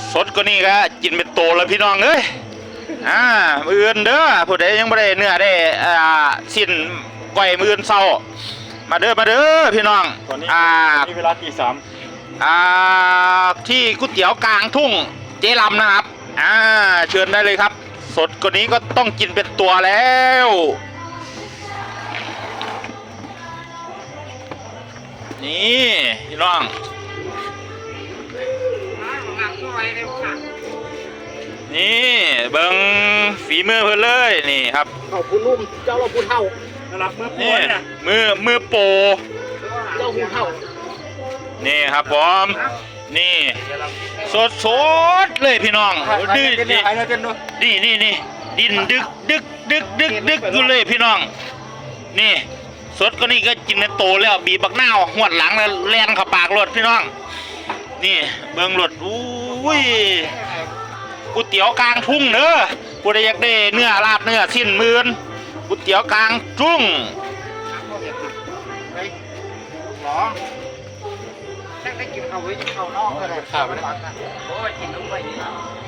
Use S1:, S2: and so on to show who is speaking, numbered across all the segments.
S1: สดก็นี่ก็กินเป็นโตแล้วพี่น้องเอ้ยมื้ออื่นเด้อผู้ใดยังไม่ได้เนื้อได้สิ้นก้อยมื้ออื่นเช้ามาเด้อพี่น้อง
S2: ตอนนี้เวลาตี 3
S1: ที่ก๋วยเตี๋ยวกลางทุ่งเจ๊ลำนะครับเชิญได้เลยครับสดกว่านี้ก็ต้องกินเป็นตัวแล้วนี่พี่น้องนี่เบิ้งฝีมือเพื่อนเลยนี่ครับ
S3: เขาพูดลุ่มเจ้าเราพูดเท่า
S2: รับมือโปรเนี่ย
S1: มือโปร
S3: เจ้าพูดเท่า
S1: นี่ครับผมนี่สดเลยพี่น้องดื้อนี่ดินดึกอยู่เลยพี่น้องนี่สดก็นี่ก็กินในโตแล้วบีบักหน้าหวดหลังแล้วแล่นเข้าปากรถพี่น้องนี่เบิ้งรถอุ้ยก๋วยเตี๋ยวกลางทุ่งเนอะกูได้อยากได้เนื้อลาบเนื้อสิ้นมื่นก๋วยเตี๋ยวกลางทุ่ง
S3: หรอแค่ได้กินเขาไว้เขานอกอะไรข่าวไปนะโอ้ยกินลงไปนี่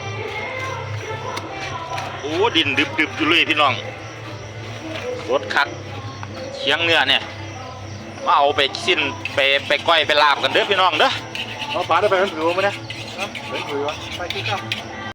S1: โอ้ดินดึบอยู่เลยพี่น้องรถคักเชียงเนื้อเนี่ยมาเอาไปสิ้นไปก้อยไปลาบกันเด้อพี่น้องเด้อ
S2: เอาปลาได้ไปมันถือมาเนี่ยเป็นถือวะ
S3: ไปที่เก้า